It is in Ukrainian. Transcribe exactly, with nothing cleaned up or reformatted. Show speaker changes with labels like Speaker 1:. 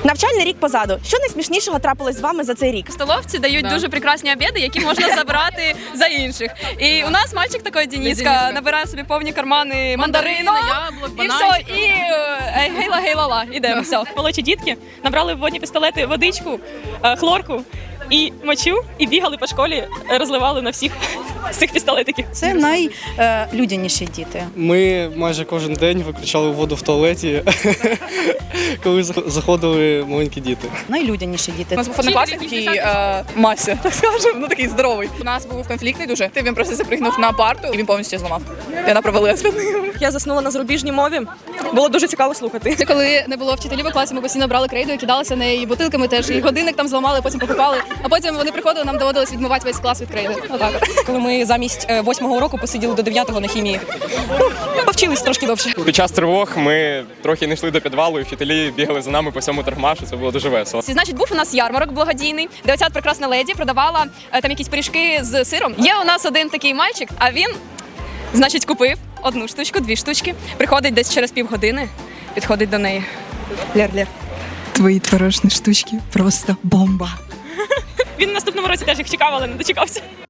Speaker 1: Навчальний рік позаду. Що найсмішнішого трапилось з вами за цей рік?
Speaker 2: В столовці дають
Speaker 3: Да.
Speaker 2: дуже прекрасні обіди, які можна забрати за інших. І у нас мальчик такий, Дениска,
Speaker 3: Дениска.
Speaker 2: набирає собі повні кармани мандарину.
Speaker 3: яблук,
Speaker 2: І все,
Speaker 3: бананчиків.
Speaker 2: і е, гейла гейла-ла, ідемо, все.
Speaker 4: Молодші дітки набрали в водні пістолети водичку, е, хлорку і мочу, і бігали по школі, е, розливали на всіх з цих пістолетиків.
Speaker 5: Це найлюдяніші діти.
Speaker 6: Ми майже кожен день виключали воду в туалеті, коли зах- заходили маленькі діти.
Speaker 5: Найлюдяніші діти.
Speaker 3: У нас був однокласник такий е, Мася, так скажемо, ну такий здоровий. У нас був конфліктний дуже. Він просто запригнув на парту і він повністю зламав. І вона провалилась під ним.
Speaker 1: Я заснула на зарубіжній мові. Було дуже цікаво слухати.
Speaker 7: Це коли не було вчителів у класі, ми постійно брали крейду і кидалися нею, і бутилками теж, і годинник там зламали, потім покупали. А потім вони приходили, нам доводилось відмивати весь клас від крейди. Отак от.
Speaker 8: Коли ми замість е, восьмого уроку посиділи до дев'ятого на хімії. Ну, повчились трошки довше.
Speaker 9: Під час тривог ми трохи не йшли до підвалу, і вчителі бігали за нами по всьому торгмашу, це було дуже весело.
Speaker 2: Значить, був у нас ярмарок благодійний, де оця прекрасна леді продавала е, там якісь пиріжки з сиром. Є у нас один такий мальчик, а він, значить, купив одну штучку, дві штучки, приходить десь через півгодини, підходить до неї. Ляр-ляр.
Speaker 10: Твої творожні штучки просто бомба.
Speaker 4: Він в наступному році теж їх чекав, але не дочекався.